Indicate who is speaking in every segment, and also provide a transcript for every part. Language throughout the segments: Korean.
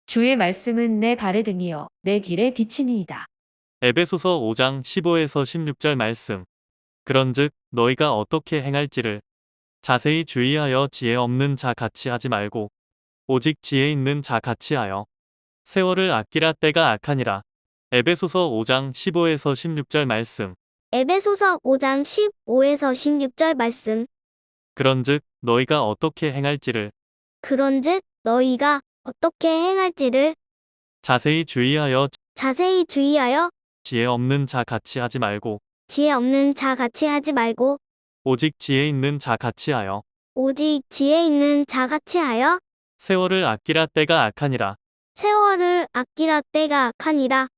Speaker 1: 주의 말씀은 내 발의 등이요 내 길의 빛이니이다.
Speaker 2: 에베소서 5장 15에서 16절 말씀. 그런즉 너희가 어떻게 행할지를 자세히 주의하여 지혜 없는 자 같이 하지 말고 오직 지혜 있는 자 같이 하여 세월을 아끼라 때가 악하니라. 에베소서 5장 15에서 16절 말씀.
Speaker 3: 에베소서 5장 15에서 16절 말씀.
Speaker 2: 그런즉 너희가 어떻게 행할지를
Speaker 3: 그런즉 너희가 어떻게 행할지를
Speaker 2: 자세히 주의하여 지혜 없는 자 같이 하지 말고
Speaker 3: 지혜 없는 자 같이 하지 말고
Speaker 2: 오직 지혜 있는 자 같이 하여
Speaker 3: 오직 지혜 있는 자 같이 하여
Speaker 2: 세월을 아끼라 때가 악하니라.
Speaker 3: 세월을 아끼라 때가 악하니라.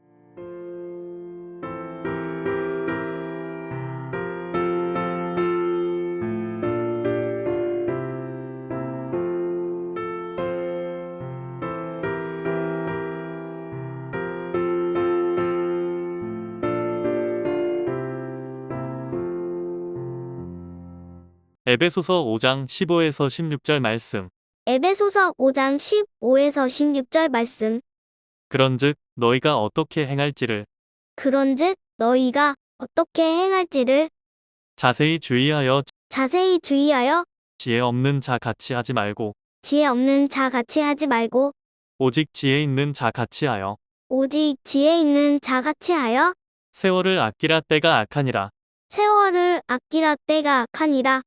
Speaker 2: 에베소서 5장 15에서 16절 말씀.
Speaker 3: 에베소서 5장 15에서 16절 말씀.
Speaker 2: 그런즉 너희가 어떻게 행할지를
Speaker 3: 그런즉 너희가 어떻게 행할지를
Speaker 2: 자세히 주의하여
Speaker 3: 지혜
Speaker 2: 지혜 없는 자 같이 하지 말고
Speaker 3: 없는 자 같이 하지 말고
Speaker 2: 오직 지혜 있는 자 같이 하여
Speaker 3: 오직 지혜 있는 자 같이 하여
Speaker 2: 세월을 아끼라 때가 악하니라.
Speaker 3: 세월을 아끼라 때가 악하니라.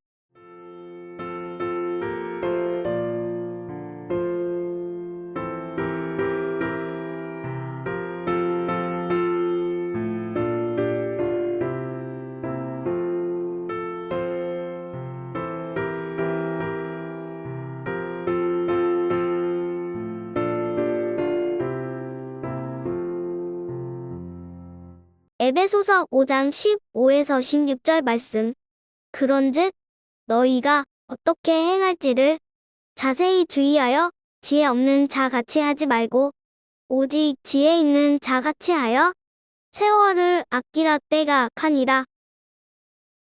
Speaker 3: 에베소서 5장 15에서 16절 말씀. 그런즉 너희가 어떻게 행할지를 자세히 주의하여 지혜 없는 자 같이 하지 말고 오직 지혜 있는 자 같이 하여 세월을 아끼라 때가 악하니라.